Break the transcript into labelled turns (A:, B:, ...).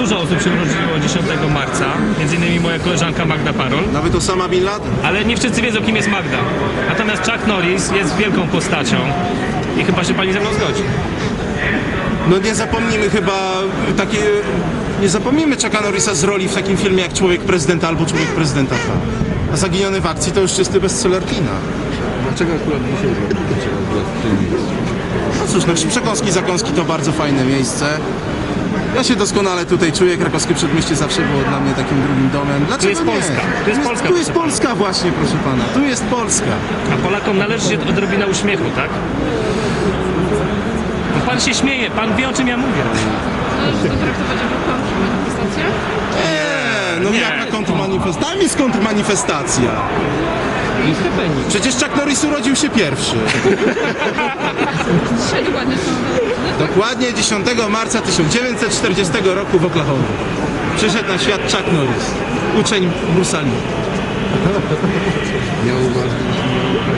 A: Dużo osób się urodziło 10 marca, między innymi moja koleżanka Magda Parol,
B: Nawet Osama Bin Laden?
A: ale nie wszyscy wiedzą, kim jest Magda. Natomiast Chuck Norris jest wielką postacią i chyba się pani ze mną zgodzi.
B: No nie zapomnimy chyba takie... Nie zapomnimy Chucka Norrisa z roli w takim filmie jak Człowiek Prezydenta albo Człowiek Prezydenta 2. A Zaginiony w akcji to już czysty bestseller kina.
C: Dlaczego akurat dzisiaj dlaczego akurat w tym miejscu?
B: No cóż, no Przekąski, Zakąski to bardzo fajne miejsce. Ja się doskonale tutaj czuję. Krakowskie Przedmieście zawsze było dla mnie takim drugim domem. Dlaczego
A: jest
B: nie?
A: Polska. Tu jest Polska,
B: Tu jest
A: proszę
B: Polska właśnie, proszę pana. Tu jest Polska.
A: A Polakom należy się odrobina uśmiechu, tak? No pan się śmieje, pan wie, o czym ja mówię.
D: Należy to traktować jako kontrmanifestację?
B: No
A: Nie.
B: jaka kontrmanifestacja? Tam jest kontrmanifestacja. Przecież Chuck Norris urodził się pierwszy.
D: Dzisiaj dokładnie są urodziny.
B: Dokładnie 10 marca 1940 roku w Oklahoma. Przyszedł na świat Chuck Norris, uczeń Bruce'a Lee.
C: Miał uważać